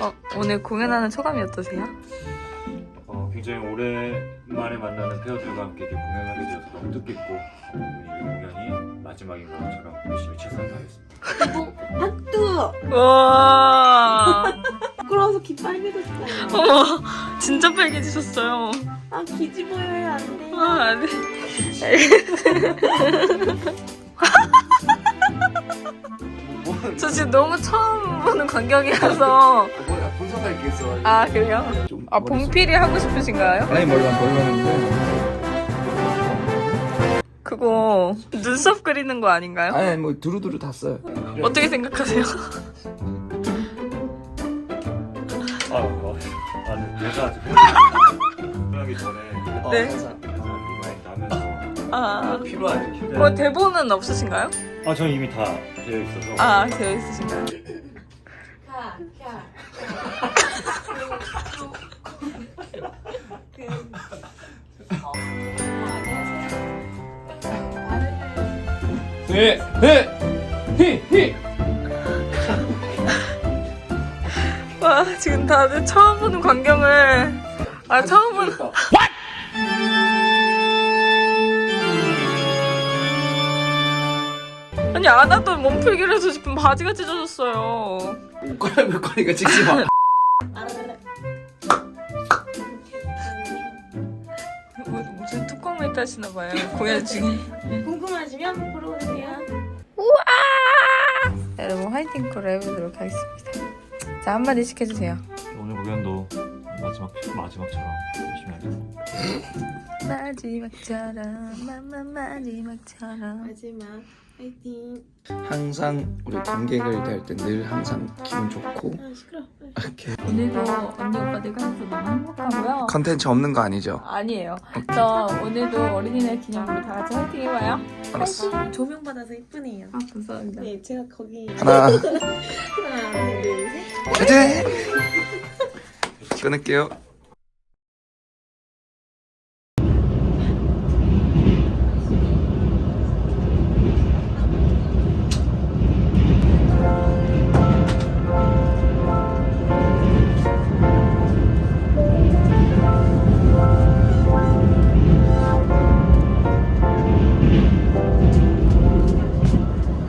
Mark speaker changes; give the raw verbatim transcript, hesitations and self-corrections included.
Speaker 1: 어, 오늘 공연하는 소감이 어떠세요?
Speaker 2: 어, 굉장히 오랜만에 만나는 페어들과 함께 이렇게 공연하게 되어서 너무 뜻깊고 오늘 이 공연이 마지막인 것처럼 열심히 최선을 다하겠습니다.
Speaker 3: 박두!
Speaker 1: 와,
Speaker 3: 부끄러워서 귀 빨개졌어요.
Speaker 1: 어머, 진짜 빨개지셨어요.
Speaker 3: 아, 기지 보여요, 안 돼.
Speaker 1: 아, 네. 저 지금 너무 처음 보는 광경이라서.
Speaker 4: 뭐야 분석할 게 있어.
Speaker 1: 아, 그래요?
Speaker 4: 좀
Speaker 1: 아, 봉필이 하고 싶으신가요?
Speaker 4: 아니 몰라 몰랐는데.
Speaker 1: 그거 눈썹 그리는 거 아닌가요?
Speaker 4: 아니 뭐 두루두루 다 써요.
Speaker 1: 어떻게 생각하세요?
Speaker 2: 아, 어, 아, 네, 대사 아직 하기 전에
Speaker 1: 네.
Speaker 2: 대사 리마인드 하면서
Speaker 1: 아,
Speaker 4: 필요하지.
Speaker 1: 뭐 대본은 없으신가요?
Speaker 2: 아, 저는 이미 다 되어 있어서
Speaker 1: 아, 되어 있으신가요?
Speaker 3: 가, 가.
Speaker 4: 네, 네, 히, 히.
Speaker 1: 와, 지금 다들 처음 보는 광경을. 아, 처음 보는. 아니, 안 하던 몸풀기를 해서 지금 바지가 찢어졌어요.
Speaker 4: 옷갈아입을 거니까 찍지 마.
Speaker 1: 뭐, 무슨 뚜껑 메이트 하시나봐요. 공연 중에.
Speaker 3: 궁금하시면 보러 오세요.
Speaker 1: 여러분, 화이팅 콜을 해보도록 하겠습니다. 자, 한마디씩 해주세요.
Speaker 2: 오늘 공연도 마지막 마지막처럼 열심히 하겠습니다.
Speaker 1: 마지막처럼, 마마 마지막처럼.
Speaker 3: 마지막 화이팅.
Speaker 4: 항상 우리 관객을 대할 때 늘 항상 기분 좋고
Speaker 3: 아, 시끄러.
Speaker 4: 이렇게
Speaker 1: 오늘도 언니 오빠들과 함께 너무 행복하고요.
Speaker 4: 컨텐츠 없는 거 아니죠?
Speaker 1: 아니에요. 저 오늘도 어린이날 기념으로 다 같이 화이팅 해봐요.
Speaker 4: 알았어.
Speaker 3: 조명 받아서 이쁘네요.
Speaker 1: 아, 감사합니다.
Speaker 3: 네, 제가 거기
Speaker 4: 하나,
Speaker 3: 하나, 둘, 셋.
Speaker 4: 화이팅! 끊을게요.